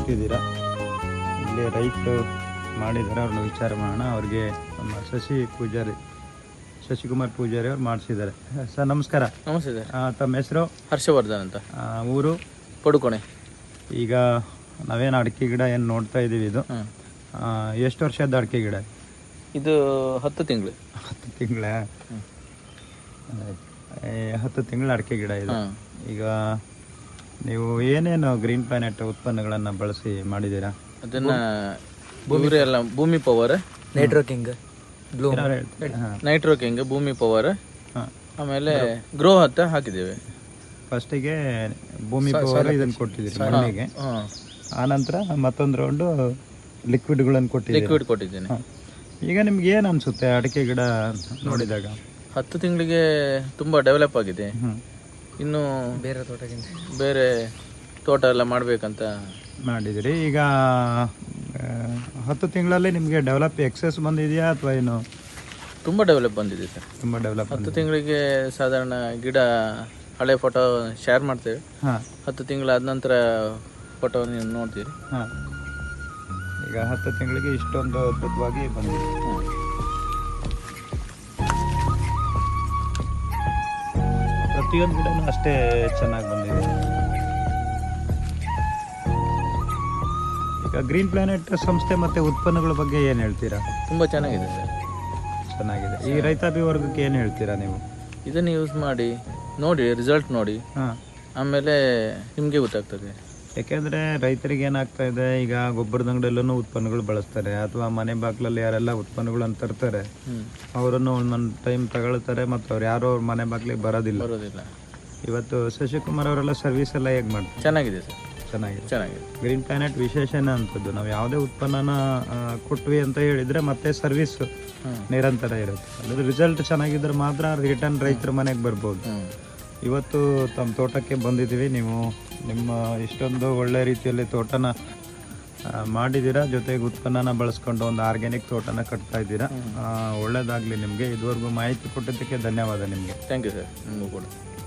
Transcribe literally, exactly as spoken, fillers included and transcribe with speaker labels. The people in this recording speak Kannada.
Speaker 1: ಕೊಟ್ಟಿದ್ದೀರಾ. ಇಲ್ಲಿ ರೈತರು ಮಾಡಿದ್ದಾರೆ, ಅವ್ರನ್ನ ವಿಚಾರ ಮಾಡೋಣ. ಅವ್ರಿಗೆ ನಮ್ಮ ಶಶಿ ಪೂಜಾರಿ ಶಶಿಕುಮಾರ್ ಪೂಜಾರಿ ಅವ್ರು ಮಾಡಿಸಿದ್ದಾರೆ. ಸರ್ ನಮಸ್ಕಾರ.
Speaker 2: ನಮಸ್ತೆ ಸರ್.
Speaker 1: ತಮ್ಮ ಹೆಸರು?
Speaker 2: ಹರ್ಷವರ್ಧನ್ ಅಂತ.
Speaker 1: ಆ, ಊರು?
Speaker 2: ಪಡುಕೋಣೆ.
Speaker 1: ಈಗ ನಾವೇನು ಅಡಿಕೆ ಗಿಡ ಏನು ನೋಡ್ತಾ ಇದ್ದೀವಿ, ಇದು ಆ, ಎಷ್ಟು ವರ್ಷದ ಅಡಿಕೆ ಗಿಡ?
Speaker 2: ಇದು ಹತ್ತು ತಿಂಗಳು.
Speaker 1: ಹತ್ತು ತಿಂಗಳ ಹತ್ತು ತಿಂಗಳ ಅಡಿಕೆ ಗಿಡ ಇದು. ಈಗ ನೀವು ಏನೇನು ಗ್ರೀನ್ ಪ್ಲಾನೆಟ್ ಉತ್ಪನ್ನಗಳನ್ನು ಬಳಸಿ ಮಾಡಿದ್ದೀರಾ?
Speaker 2: ಅದನ್ನ ಭೂಮಿ ಎಲ್ಲ Bhoomi power,
Speaker 3: nitro king,
Speaker 2: nitro king, Bhoomi power, ಆಮೇಲೆ ಗ್ರೋ ಹತ್ತ ಹಾಕಿದ್ದೇವೆ.
Speaker 1: ಫಸ್ಟಿಗೆ ಭೂಮಿ ಪವರ್ ಇದನ್ನು ಕೊಟ್ಟಿದ್ದೀರಿ ಮಣ್ಣಿಗೆ, ಆನಂತರ ಮತ್ತೊಂದು ರೌಂಡು ಲಿಕ್ವಿಡ್ಗಳನ್ನು ಕೊಟ್ಟಿದ್ದೀರಿ.
Speaker 2: ಲಿಕ್ವಿಡ್ ಕೊಟ್ಟಿದ್ದೇನೆ.
Speaker 1: ಈಗ ನಿಮ್ಗೆ ಏನು ಅನಿಸುತ್ತೆ ಅಡಿಕೆ ಗಿಡ ನೋಡಿದಾಗ?
Speaker 2: ಹತ್ತು ತಿಂಗಳಿಗೆ ತುಂಬಾ ಡೆವಲಪ್ ಆಗಿದೆ. ಇನ್ನು
Speaker 3: ಬೇರೆ ತೋಟಕ್ಕಿಂತ
Speaker 2: ಬೇರೆ ತೋಟ ಎಲ್ಲ ಮಾಡ್ಬೇಕಂತ
Speaker 1: ಮಾಡಿದಿರಿ. ಈಗ ಆ, ಹತ್ತು ತಿಂಗಳಲ್ಲಿ ನಿಮಗೆ ಡೆವಲಪ್ ಎಕ್ಸೆಸ್ ಬಂದಿದೆಯಾ ಅಥವಾ ಏನು?
Speaker 2: ತುಂಬಾ ಡೆವಲಪ್ ಬಂದಿದೆ ಸರ್.
Speaker 1: ತುಂಬ ಡೆವಲಪ್
Speaker 2: ಹತ್ತು ತಿಂಗಳಿಗೆ ಸಾಧಾರಣ ಗಿಡ ಹಳೆ ಫೋಟೋ ಶೇರ್ ಮಾಡ್ತೇವೆ.
Speaker 1: ಹಾಂ
Speaker 2: ಹತ್ತು ತಿಂಗಳಾದ ನಂತರ ಫೋಟೋ ನೀವು ನೋಡ್ತೀರಿ.
Speaker 1: ಹಾಂ ಈಗ ಹತ್ತು ತಿಂಗಳಿಗೆ ಇಷ್ಟೊಂದು ಅದ್ಭುತವಾಗಿ ಬಂದಿದೆ. ಪ್ರತಿಯೊಂದು ಗಿಡನೂ ಅಷ್ಟೇ ಚೆನ್ನಾಗಿ ಬಂದಿದೆ. ಈಗ ಗ್ರೀನ್ ಪ್ಲಾನೆಟ್ ಸಂಸ್ಥೆ ಮತ್ತು ಉತ್ಪನ್ನಗಳ ಬಗ್ಗೆ ಏನು ಹೇಳ್ತೀರಾ?
Speaker 2: ತುಂಬಾ ಚೆನ್ನಾಗಿದೆ ಸರ್.
Speaker 1: ಚೆನ್ನಾಗಿದೆ. ಈ ರೈತಾಪಿ ವರ್ಗಕ್ಕೆ ಏನು ಹೇಳ್ತೀರಾ ನೀವು?
Speaker 2: ಇದನ್ನು ಯೂಸ್ ಮಾಡಿ ನೋಡಿ, ರಿಸಲ್ಟ್ ನೋಡಿ,
Speaker 1: ಹಾಂ
Speaker 2: ಆಮೇಲೆ ನಿಮಗೆ ಗೊತ್ತಾಗ್ತದೆ.
Speaker 1: ಯಾಕೆಂದರೆ ರೈತರಿಗೆ ಏನಾಗ್ತಾ ಇದೆ, ಈಗ ಗೊಬ್ಬರದ ಅಂಗಡಿಯಲ್ಲೂ ಉತ್ಪನ್ನಗಳು ಬಳಸ್ತಾರೆ, ಅಥವಾ ಮನೆ ಬಾಗಿಲಲ್ಲಿ ಯಾರೆಲ್ಲ ಉತ್ಪನ್ನಗಳನ್ನು ತರ್ತಾರೆ ಅವರನ್ನು ಒಂದೊಂದು ಟೈಮ್ ತಗೊಳ್ತಾರೆ, ಮತ್ತು ಅವ್ರು ಯಾರೋ ಅವ್ರ ಮನೆ ಬಾಗಿಲಿಗೆ ಬರೋದಿಲ್ಲ
Speaker 2: ಬರೋದಿಲ್ಲ.
Speaker 1: ಇವತ್ತು ಶಶಿಕುಮಾರ್ ಅವರೆಲ್ಲ ಸರ್ವಿಸ್ ಎಲ್ಲ ಹೇಗೆ ಮಾಡ್ತಾರೆ?
Speaker 2: ಚೆನ್ನಾಗಿದೆ ಸರ್.
Speaker 1: ಚೆನ್ನಾಗಿದೆ.
Speaker 2: ಚೆನ್ನಾಗಿದೆ.
Speaker 1: ಗ್ರೀನ್ ಪ್ಲಾನೆಟ್ ವಿಶೇಷನೇ ಅಂಥದ್ದು, ನಾವು ಯಾವುದೇ ಉತ್ಪನ್ನನ ಆ, ಕೊಟ್ವಿ ಅಂತ ಹೇಳಿದರೆ ಮತ್ತೆ ಸರ್ವಿಸ್ ನಿರಂತರ ಇರುತ್ತೆ. ಅದ್ರ ರಿಸಲ್ಟ್ ಚೆನ್ನಾಗಿದ್ರೆ ಮಾತ್ರ ರಿಟರ್ನ್ ರೈತರ ಮನೆಗೆ ಬರ್ಬೋದು. ಇವತ್ತು ತಮ್ಮ ತೋಟಕ್ಕೆ ಬಂದಿದ್ದೀವಿ. ನೀವು ನಿಮ್ಮ ಇಷ್ಟೊಂದು ಒಳ್ಳೆ ರೀತಿಯಲ್ಲಿ ತೋಟನ ಆ, ಮಾಡಿದ್ದೀರಾ, ಜೊತೆಗೆ ಉತ್ಪನ್ನನ ಬಳಸ್ಕೊಂಡು ಒಂದು ಆರ್ಗ್ಯಾನಿಕ್ ತೋಟನ ಕಟ್ತಾ ಇದ್ದೀರಾ. ಒಳ್ಳೇದಾಗಲಿ ನಿಮಗೆ. ಇದುವರೆಗೂ ಮಾಹಿತಿ ಕೊಟ್ಟಿದ್ದಕ್ಕೆ ಧನ್ಯವಾದ ನಿಮಗೆ.
Speaker 2: Thank you sir. ನಿಮಗೂ ಕೂಡ.